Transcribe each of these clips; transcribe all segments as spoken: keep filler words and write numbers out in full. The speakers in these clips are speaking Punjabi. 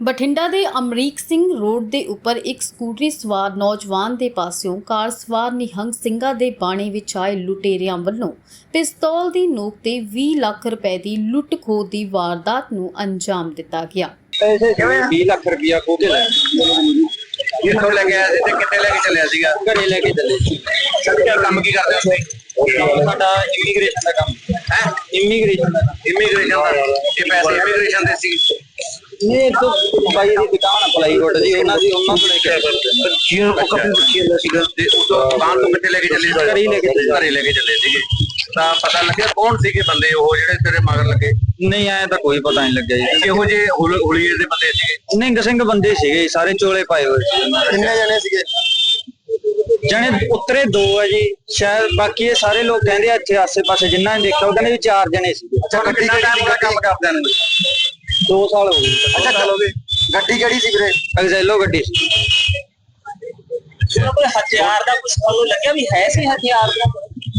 ਬਠਿੰਡਾ ਦੇ ਅਮਰੀਕ ਸਿੰਘ ਰੋਡ ਦੇ ਉੱਪਰ ਇੱਕ ਸਕੂਟਰੀ ਸਵਾਰ ਨੌਜਵਾਨ ਦੇ ਪਾਸਿਓਂ ਕਾਰ ਸਵਾਰ ਨਿਹੰਗ ਸਿੰਘਾਂ ਦੇ ਬਾਣੇ ਵਿੱਚ ਆਏ ਲੁਟੇਰਿਆਂ ਵੱਲੋਂ ਪਿਸਤੌਲ ਦੀ ਨੋਕ ਤੇ ਵੀਹ ਲੱਖ ਰੁਪਏ ਦੀ ਲੁੱਟ ਖੋਹ ਦੀ ਵਾਰਦਾਤ ਨੂੰ ਅੰਜਾਮ ਦਿੱਤਾ ਗਿਆ। ਵੀਹ ਲੱਖ ਰੁਪਇਆ ਖੋਹ ਕੇ ਲੈ ਕਿੱਥੋਂ ਲੈ ਕੇ ਆਇਆ ਸੀ ਤੇ ਕਿੱਥੇ ਲੈ ਕੇ ਚੱਲਿਆ ਸੀਗਾ? ਘਰੇ ਲੈ ਕੇ ਚੱਲੇ ਸੀ। ਸਰ ਕੰਮ ਕੀ ਕਰਦੇ ਹੋ ਤੁਸੀਂ? ਸਾਡਾ ਇਮੀਗ੍ਰੇਸ਼ਨ ਦਾ ਕੰਮ ਹੈ। ਇਮੀਗ੍ਰੇਸ਼ਨ ਦਾ ਇਮੀਗ੍ਰੇਸ਼ਨ ਦਾ ਇਹ ਪੈਸੇ ਇਮੀਗ੍ਰੇਸ਼ਨ ਦੇ ਸੀ ਨਹੀਂ ਤੋਂ ਬਾਈ ਦੀ ਦੁਕਾਨ ਅਪਲਾਈ ਰੋਡ ਦੀ ਉਹਨਾਂ ਦੀ ਉਹਨਾਂ ਤੋਂ ਲੈ ਕੇ ਆਇਆ ਜੀ। ਉਹ ਕਾਫੀ ਪੁੱਛੀ ਜਾਂਦਾ ਸੀਗਾ ਤੇ ਉਸ ਦੁਕਾਨ ਤੋਂ ਕਿੱਥੇ ਲੈ ਕੇ ਚੱਲੇ? ਘਰੇ ਲੈ ਕੇ ਘਰੇ ਲੈ ਕੇ ਚੱਲੇ ਸੀਗੇ। ਤਾਂ ਪਤਾ ਲੱਗਿਆ ਕੌਣ ਸੀਗੇ ਬੰਦੇ ਉਹ ਜਿਹੜੇ ਤੇਰੇ ਮਗਰ ਲੱਗੇ? ਨਹੀਂ ਆਇਆ ਤਾਂ ਕੋਈ ਪਤਾ ਨਹੀਂ ਲੱਗਿਆ ਜੀ। ਕਿਹੋ ਜਿਹੇ ਹੁਲੀਏ ਦੇ ਬੰਦੇ ਸੀਗੇ? ਨਿੰਗ ਸਿੰਘ ਬੰਦੇ ਸੀਗੇ, ਸਾਰੇ ਚੋਲੇ ਪਾਏ ਹੋਏ ਸੀ। ਕਿੰਨੇ ਜਣੇ ਸੀਗੇ? ਜਣੇ ਉਤਰੇ ਦੋ ਆ ਜੀ ਸ਼ਾਇਦ, ਬਾਕੀ ਇਹ ਸਾਰੇ ਲੋਕ ਕਹਿੰਦੇ ਆ ਇੱਥੇ ਆਸੇ ਪਾਸੇ ਜਿੰਨਾ ਨੇ ਦੇਖਿਆ ਉਹ ਕਹਿੰਦੇ ਵੀ ਚਾਰ ਜਣੇ ਸੀਗੇ। ਅੱਛਾ, ਗੱਡੀ ਕਿਹੜੀ ਕੰਮ ਕਰਦਿਆਂ ਨੂੰ? ਦੋ ਸਾਲ ਹੋ ਗਏ। ਅੱਛਾ ਸਾਲ ਹੋ ਗਏ। ਗੱਡੀ ਕਿਹੜੀ ਸੀ ਵੀਰੇ? ਐਗਜ਼ੈਲੋ ਗੱਡੀ ਸੀ। ਕੋਈ ਹਥਿਆਰ ਦਾ ਕੁਝ ਤੁਹਾਨੂੰ ਲੱਗਿਆ ਵੀ ਹੈ ਸੀ? ਹਥਿਆਰ ਦਾ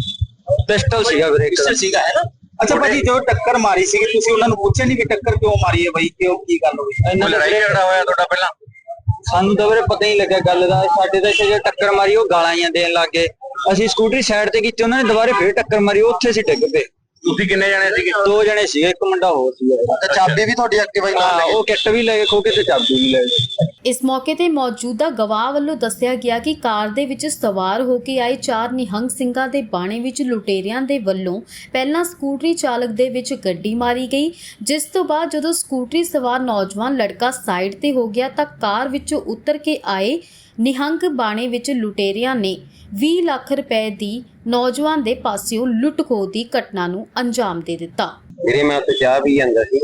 ਪਿਸਟਲ ਸੀਗਾ ਵੀਰੇ। ਪਿਸਟਲ ਸੀਗਾ ਹੈ ਨਾ। ਅੱਛਾ ਭਾਜੀ, ਜੋ ਟੱਕਰ ਮਾਰੀ ਸੀਗੀ ਤੁਸੀਂ ਉਹਨਾਂ ਨੂੰ ਪੁੱਛਿਆ ਨਹੀਂ ਵੀ ਟੱਕਰ ਕਿਉਂ ਮਾਰੀ ਹੈ ਬਾਈ, ਕਿਉਂ ਕੀ ਗੱਲ ਹੋਈ? ਇਹਨਾਂ ਲੜਾਈ ਝਗੜਾ ਹੋਇਆ ਤੁਹਾਡਾ ਪਹਿਲਾਂ? ਸਾਨੂੰ ਤਾਂ ਵੀਰੇ ਪਤਾ ਹੀ ਨਹੀਂ ਲੱਗਿਆ ਗੱਲ ਦਾ। ਸਾਡੇ ਤਾਂ ਇੱਥੇ ਜੋ ਟੱਕਰ ਮਾਰੀ ਉਹ ਗਾਲਾਂ ਹੀ ਦੇਣ ਲੱਗ ਗਏ। ਅਸੀਂ ਸਕੂਟਰੀ ਸਾਈਡ ਤੇ ਕੀਤੀ, ਉਹਨਾਂ ਨੇ ਦੁਬਾਰੇ ਫੇਰ ਟੱਕਰ ਮਾਰੀ, ਉੱਥੇ ਅਸੀਂ ਡਿੱਗ ਪਏ। ਤੁਸੀਂ ਕਿੰਨੇ ਜਣੇ ਸੀਗੇ? ਦੋ ਜਣੇ ਸੀਗੇ, ਇੱਕ ਮੁੰਡਾ ਹੋਰ ਸੀਗਾ। ਤੇ ਚਾਬੀ ਵੀ ਤੁਹਾਡੀ ਐਕਟਿਵਾ ਨਾਲ ਲੈ ਗਏ? ਉਹ ਕਿੱਟ ਵੀ ਲੈ ਕੇ ਖੋ ਕੇ ਤੇ ਚਾਬੀ ਵੀ ਲੈ ਗਏ। ਇਸ ਮੌਕੇ ਤੇ ਮੌਜੂਦਾ ਗਵਾਹ ਵੱਲੋਂ ਦੱਸਿਆ ਗਿਆ ਕਿ ਕਾਰ ਦੇ ਵਿੱਚ ਸਵਾਰ ਹੋ ਕੇ ਆਏ ਚਾਰ ਨਿਹੰਗ ਸਿੰਘਾਂ ਦੇ ਬਾਣੇ ਵਿੱਚ ਲੁਟੇਰਿਆਂ ਦੇ ਵੱਲੋਂ ਪਹਿਲਾਂ ਸਕੂਟਰੀ ਚਾਲਕ ਦੇ ਵਿੱਚ ਗੱਡੀ ਮਾਰੀ ਗਈ, ਜਿਸ ਤੋਂ ਬਾਅਦ ਜਦੋਂ ਸਕੂਟਰੀ ਸਵਾਰ ਨੌਜਵਾਨ ਲੜਕਾ ਸਾਈਡ ਤੇ ਹੋ ਗਿਆ ਤਾਂ ਕਾਰ ਵਿੱਚੋਂ ਉਤਰ ਕੇ ਆਏ ਨਿਹੰਗ ਬਾਣੇ ਵਿੱਚ ਲੁਟੇਰਿਆਂ ਨੇ ਵੀਹ ਲੱਖ ਰੁਪਏ ਦੀ ਨੌਜਵਾਨ ਦੇ ਪਾਸਿਓਂ ਲੁੱਟ ਖੋਹ ਦੀ ਘਟਨਾ ਨੂੰ ਅੰਜਾਮ ਦੇ ਦਿੱਤਾ। ਵੀਰੇ ਮੈਂ ਉੱਥੇ ਚਾਹ ਪੀ ਜਾਂਦਾ ਸੀ,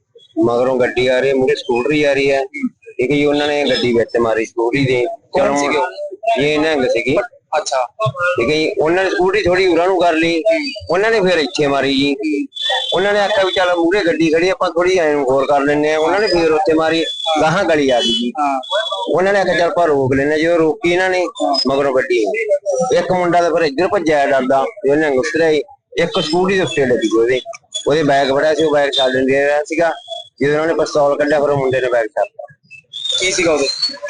ਮਗਰੋਂ ਗੱਡੀ ਆ ਰਹੀ ਹੈ, ਮੂਹਰੇ ਸਕੂਟਰੀ ਆ ਰਹੀ ਹੈ। ਠੀਕ ਹੈ ਜੀ, ਉਹਨਾਂ ਨੇ ਗੱਡੀ ਵਿੱਚ ਮਾਰੀ ਸਕੂਟਰੀ ਦੇ। ਕੌਣ ਸੀਗੇ? ਇਹ ਨਿਹੰਗ ਸੀਗੀ। ਅੱਛਾ ਠੀਕ ਹੈ ਜੀ, ਉਹਨਾਂ ਨੇ ਸਕੂਟਰੀ ਥੋੜੀ ਉਰਾਂ ਨੂੰ ਕਰ ਲਈ, ਉਹਨਾਂ ਨੇ ਫਿਰ ਇੱਥੇ ਮਾਰੀ ਜੀ। ਉਹਨਾਂ ਨੇ ਆਖਿਆ ਵੀ ਚੱਲ ਮੂਹਰੇ ਗੱਡੀ ਖੜੀ ਆਪਾਂ ਥੋੜੀ ਐਂ ਹੋਰ ਕਰ ਲੈਂਦੇ ਆ। ਉਹਨਾਂ ਨੇ ਫਿਰ ਉੱਥੇ ਮਾਰੀ, ਗਾਹਾਂ ਗਲੀ ਆ ਗਈ ਜੀ। ਉਹਨਾਂ ਨੇ ਆਖਿਆ ਚੱਲ ਆਪਾਂ ਰੋਕ ਲੈਂਦੇ। ਜਦੋਂ ਰੋਕੀ ਇਹਨਾਂ ਨੇ ਮਗਰੋਂ ਗੱਡੀ, ਇੱਕ ਮੁੰਡਾ ਤਾਂ ਫਿਰ ਇੱਧਰ ਭੱਜਿਆ ਡਰਦਾ, ਉਹਨੇ ਉਤਰਿਆ। ਇੱਕ ਸਕੂਟਰੀ ਦੇ ਉੱਤੇ ਲੱਗੀ ਉਹਦੇ ਉਹਦੇ ਬੈਗ ਫੜਿਆ ਸੀ, ਉਹ ਬੈਗ ਛੱਡ ਰਿਹਾ ਸੀਗਾ। ਜਦੋਂ ਉਹਨਾਂ ਨੇ ਪਿਸਤੌਲ ਕੱਢਿਆ ਫਿਰ ਉਹ ਮੁੰਡੇ ਨੇ ਬੈਗ ਛੱਡਤਾ। ਕੀ ਸੀਗਾ ਉਹਦੇ?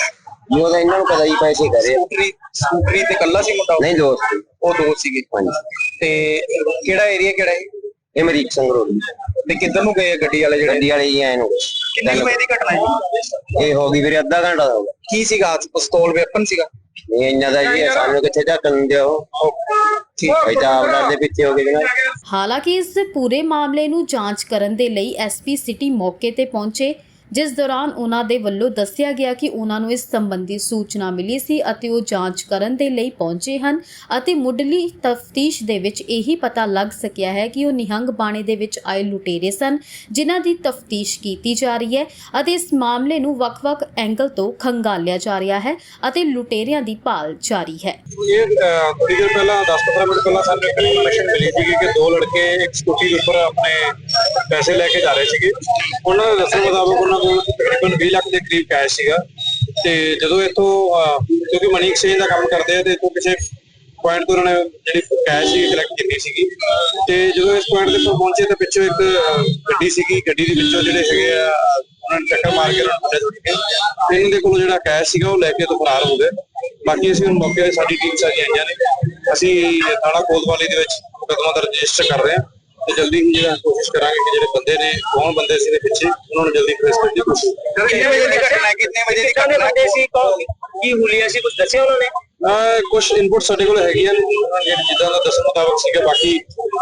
ਜੀ ਉਹਦਾ ਇਹਨਾਂ ਨੂੰ ਪਤਾ ਜੀ ਪੈਸੇ ਕਰੇ। ਸਕੂਟਰੀ ਸਕੂਟਰੀ ਤੇ ਕੱਲਾ ਸੀ ਮੁੰਡਾ? ਨਹੀਂ, ਦੋਸਤ। ਉਹ ਦੋਸਤ ਸੀਗੇ। ਹਾਂਜੀ। ਤੇ ਕਿਹੜਾ ਏਰੀਆ ਕਿਹੜਾ ਹੈ ਇਹ? ਅਮਰੀਕ ਸਿੰਘ ਰੋਡ। ਤੇ ਕਿੱਧਰ ਨੂੰ ਗਏ ਗੱਡੀ ਵਾਲੇ? ਜਿਹੜੇ ਗੱਡੀ ਵਾਲੇ ਜੀ ਆਏ ਨੂੰ। ਕਿੰਨੇ ਵਜੇ ਦੀ ਘਟਨਾ ਹੈ? ਇਹ ਹੋ ਗਈ ਵੀਰੇ ਅੱਧਾ ਘੰਟਾ ਹੋ ਗਿਆ। ਕੀ ਸੀਗਾ? ਪਿਸਤੌਲ ਵੈਪਨ ਸੀਗਾ? ਨਹੀਂ ਇੰਨਾ ਦਾ ਜੀ ਸਾਨੂੰ ਕਿੱਥੇ ਢੱਕਣ ਦਿਓ। ਠੀਕ ਹੈ ਤਾਂ ਆਪਣਾ ਦੇ ਪਿੱਛੇ ਹੋ ਗਏ ਜਨਾਬ। ਹਾਲਾਂਕਿ ਇਸ ਪੂਰੇ ਮਾਮਲੇ ਨੂੰ ਜਾਂਚ ਕਰਨ ਦੇ ਲਈ ਐਸਪੀ ਸਿਟੀ ਮੌਕੇ ਤੇ ਪਹੁੰਚੇ, ਜਿਸ ਦੌਰਾਨ ਉਹਨਾਂ ਦੇ ਵੱਲੋਂ ਦੱਸਿਆ ਗਿਆ ਕਿ ਉਹਨਾਂ ਨੂੰ ਇਸ ਸੰਬੰਧੀ ਸੂਚਨਾ ਮਿਲੀ ਸੀ ਅਤੇ ਉਹ ਜਾਂਚ ਕਰਨ ਦੇ ਲਈ ਪਹੁੰਚੇ ਹਨ ਅਤੇ ਮੁੱਢਲੀ ਤਫਤੀਸ਼ ਦੇ ਵਿੱਚ ਇਹੀ ਪਤਾ ਲੱਗ ਸਕਿਆ ਹੈ ਕਿ ਉਹ ਨਿਹੰਗ ਬਾਣੇ ਦੇ ਵਿੱਚ ਆਏ ਲੁਟੇਰੇ ਸਨ, ਜਿਨ੍ਹਾਂ ਦੀ ਤਫਤੀਸ਼ ਕੀਤੀ ਜਾ ਰਹੀ ਹੈ ਅਤੇ ਇਸ ਮਾਮਲੇ ਨੂੰ ਵੱਖ-ਵੱਖ ਐਂਗਲ ਤੋਂ ਖੰਗਾਲਿਆ ਜਾ ਰਿਹਾ ਹੈ ਅਤੇ ਲੁਟੇਰਿਆਂ ਦੀ ਭਾਲ ਜਾਰੀ ਹੈ। ਇਹ ਥੋੜੀ ਦੇਰ ਪਹਿਲਾਂ ਦਸ ਪੰਦਰਾਂ ਮਿੰਟ ਪਹਿਲਾਂ ਸਾਨੂੰ ਇੱਕ ਇਨਫੋਰਮੇਸ਼ਨ ਮਿਲੀ ਸੀ ਕਿ ਦੋ ਲੜਕੇ ਇੱਕ ਸਕੂਟੀ ਦੇ ਉੱਪਰ ਆਪਣੇ ਪੈਸੇ ਲੈ ਕੇ ਜਾ ਰਹੇ ਸੀਗੇ। ਉਹਨਾਂ ਦੇ ਦੱਸਣ ਮੁਤਾਬਕ ਉਹਨਾਂ ਕੋਲ ਤਕਰੀਬਨ ਵੀਹ ਲੱਖ ਦੇ ਕਰੀਬ ਕੈਸ਼ ਸੀਗਾ। ਤੇ ਜਦੋਂ ਇੱਥੋਂ ਕਿਉਂਕਿ ਮਨੀ ਐਕਸਚੇਂਜ ਦਾ ਕੰਮ ਕਰਦੇ ਆ ਤੇ ਇੱਥੋਂ ਕਿਸੇ ਪੁਆਇੰਟ ਤੋਂ ਉਹਨਾਂ ਨੇ ਜਿਹੜੀ ਕੈਸ਼ ਸੀ ਕਲੈਕਟ ਕੀਤੀ ਸੀਗੀ। ਤੇ ਜਦੋਂ ਇਸ ਪੁਆਇੰਟ ਦੇ ਉੱਪਰ ਪਹੁੰਚੇ ਤਾਂ ਪਿੱਛੋਂ ਇੱਕ ਗੱਡੀ ਸੀਗੀ, ਗੱਡੀ ਦੇ ਵਿੱਚੋਂ ਜਿਹੜੇ ਹੈਗੇ ਆ ਉਹਨਾਂ ਨੇ ਟੱਕਰ ਮਾਰ ਕੇ ਉਹਨਾਂ ਨੂੰ ਥੋੜੀ ਕੇ ਤੇ ਇਹਨਾਂ ਦੇ ਕੋਲੋਂ ਜਿਹੜਾ ਕੈਸ਼ ਸੀਗਾ ਉਹ ਲੈ ਕੇ ਤੋਂ ਫਰਾਰ ਹੋ ਗਏ। ਬਾਕੀ ਅਸੀਂ ਹੁਣ ਮੌਕੇ ਤੇ ਸਾਡੀ ਟੀਮ ਸਾਰੀਆਂ ਆਈਆਂ ਨੇ। ਅਸੀਂ ਥਾਣਾ ਕੋਤਵਾਲੀ ਦੇ ਵਿੱਚ ਮੁਕੱਦਮਾ ਦਰਜ ਰਜਿਸਟਰ ਕਰ ਰਹੇ ਹਾਂ ਤੇ ਜਲਦੀ ਹੀ ਜਿਹੜਾ ਕੋਸ਼ਿਸ਼ ਕਰਾਂਗੇ ਕਿ ਜਿਹੜੇ ਬੰਦੇ ਨੇ ਕੌਣ ਬੰਦੇ ਸੀ ਦੇ ਪਿੱਛੇ ਉਹਨਾਂ ਨੂੰ ਜਲਦੀ ਟ੍ਰੇਸ ਕਰਨ ਦੀ ਕੋਸ਼ਿਸ਼ ਕਰਾਂਗੇ। ਕਿੰਨੇ ਵਜੇ ਦੀ ਘਟਨਾ ਹੈ? ਕਿੰਨੇ ਵਜੇ ਦੀ ਘਟਨਾ ਹੈ? ਸੀ ਕੀ ਹੁਲੀਆ ਸੀ? ਕੁਝ ਦੱਸਿਆ ਉਹਨਾਂ ਨੇ? ਕੁਝ ਇਨਪੁਟ ਸਾਡੇ ਕੋਲ ਹੈਗੀਆਂ ਜਿੱਦਾਂ ਦਾ ਦੱਸਣ ਮੁਤਾਬਕ ਸੀਗਾ। ਬਾਕੀ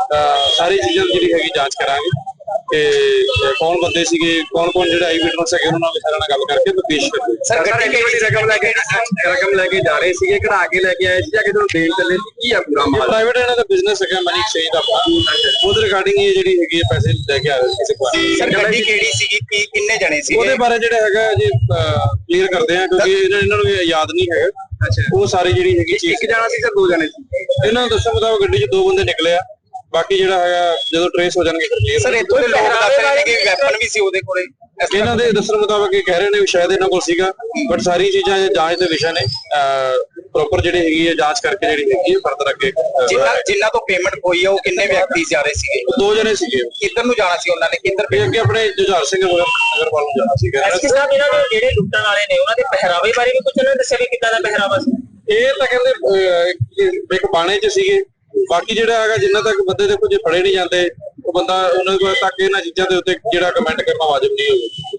ਸਾਰੀ ਚੀਜ਼ਾਂ ਜਿਹੜੀ ਹੈਗੀ ਜਾਂਚ ਕਰਾਂਗੇ ਤੇ ਕੌਣ ਬੰਦੇ ਸੀਗੇ, ਕੌਣ ਕੌਣ ਜਿਹੜੇ ਆਈ ਵਿਟਨੈਸ ਹੈਗੇ ਉਹਨਾਂ ਨਾਲ ਸਾਰਿਆਂ ਨਾਲ ਗੱਲ ਕਰਕੇ ਪੇਸ਼ ਕਰਾਂਗੇ। ਸਰ ਗੱਡੀ ਕਿਹੜੀ ਰਕਮ ਲੈ ਕੇ ਰਕਮ ਲੈ ਕੇ ਜਾ ਰਹੇ ਸੀਗੇ, ਕਢਾ ਕੇ ਲੈ ਕੇ ਆਏ ਸੀ ਜਾਂ ਕਿਤੇ ਦੇਣ ਚੱਲੇ ਸੀ? ਕੀ ਆ ਪੂਰਾ ਮਾਮਲਾ? ਪ੍ਰਾਈਵੇਟ ਇਹਨਾਂ ਦਾ ਬਿਜ਼ਨਸ ਹੈਗਾ ਮਨੀ ਐਕਸਚੇਂਜ ਦਾ। ਉਹਦੇ ਰਿਗਾਰਡਿੰਗ ਇਹ ਜਿਹੜੀ ਹੈਗੀ ਹੈ ਪੈਸੇ ਲੈ ਕੇ ਆ ਰਹੇ ਸੀ ਕਿਸੇ ਕੋਲ। ਸਰ ਗੱਡੀ ਕਿਹੜੀ ਸੀਗੀ, ਕੀ ਕਿੰਨੇ ਜਣੇ ਸੀਗੇ? ਉਹਦੇ ਬਾਰੇ ਜਿਹੜਾ ਹੈਗਾ ਜੀ ਕਲੀਅਰ ਕਰਦੇ ਆ ਕਿਉਂਕਿ ਇਹਨਾਂ ਨੂੰ ਯਾਦ ਨਹੀਂ ਹੈਗਾ। ਉਹ ਸਾਰੀ ਜਿਹੜੀ ਹੈਗੀ ਇੱਕ ਜਣਾ ਸੀ ਜਾਂ ਦੋ ਜਣੇ ਸੀ? ਇਹਨਾਂ ਨੂੰ ਦੱਸਣ ਮੁਤਾਬਕ ਗੱਡੀ 'ਚ ਦੋ ਬੰਦੇ ਨਿਕਲੇ ਆ। ਬਾਕੀ ਜਿਹੜਾ ਹੈਗਾ ਜਦੋਂ ਟ੍ਰੇਸ ਹੋ ਜਾਣਗੇ ਫਿਰ ਕਲੀਅਰ। ਸਰ ਇੱਥੋਂ ਦੇ ਲੋਕ ਦੱਸ ਰਹੇ ਨੇ ਕਿ ਵੈਪਨ ਵੀ ਸੀ ਉਹਦੇ ਕੋਲੇ। ਇਹਨਾਂ ਦੇ ਦੱਸਣ ਮੁਤਾਬਕ ਇਹ ਕਹਿ ਰਹੇ ਨੇ ਵੀ ਸ਼ਾਇਦ ਇਹਨਾਂ ਕੋਲ ਸੀਗਾ, ਬਟ ਸਾਰੀ ਚੀਜ਼ਾਂ ਜਾਂਚ ਦੇ ਵਿਸ਼ਾ ਨੇ। ਪ੍ਰੋਪਰ ਜਿਹੜੀ ਹੈਗੀ ਹੈ ਜਾਂਚ ਕਰਕੇ ਜਿਹੜੀ ਹੈਗੀ ਹੈ ਫਰਦਰ ਅੱਗੇ ਅਹ, ਜਿਨ੍ਹਾਂ ਜਿਨ੍ਹਾਂ ਤੋਂ ਪੇਮੈਂਟ ਹੋਈ ਹੈ ਉਹ ਕਿੰਨੇ ਵਿਅਕਤੀ ਜਾ ਰਹੇ ਸੀਗੇ? ਉਹ ਦੋ ਜਣੇ ਸੀਗੇ ਕਿੱਧਰ ਨੂੰ ਜਾਣਾ ਸੀ ਉਹਨਾਂ ਨੇ, ਕਿੱਧਰ ਇਹ ਅੱਗੇ ਆਪਣੇ ਜੁਝਾਰ ਸਿੰਘ ਨਗਰ ਨਗਰਵਾਲ ਨੂੰ ਜਾਣਾ ਸੀਗਾ ਐਸਪੀ ਸਾਹਿਬ ਇਹਨਾਂ ਦੇ ਜਿਹੜੇ ਲੁੱਟਣ ਵਾਲੇ ਨੇ ਉਹਨਾਂ ਦੇ ਪਹਿਰਾਵੇ ਬਾਰੇ ਵੀ ਕੁਝ ਉਹਨਾਂ ਨੇ ਦੱਸਿਆ ਵੀ ਕਿੱਦਾਂ ਦਾ ਪਹਿਰਾਵਾ ਸੀ? ਇਹ ਤਾਂ ਕਹਿੰਦੇ ਅਹ, ਇੱਕ ਬਾਣੇ 'ਚ ਸੀਗੇ। ਬਾਕੀ ਜਿਹੜਾ ਹੈਗਾ ਜਿੰਨਾ ਤੱਕ ਬੰਦੇ ਦੇਖੋ ਜੇ ਫੜੇ ਨਹੀਂ ਜਾਂਦੇ ਉਹ ਬੰਦਾ ਉਹਨਾਂ ਕੋਲ ਤੱਕ ਇਹਨਾਂ ਚੀਜ਼ਾਂ ਦੇ ਉੱਤੇ ਜਿਹੜਾ ਕਮੈਂਟ ਕਰਨਾ ਵਾਜਬ ਨਹੀਂ ਹੋਵੇ।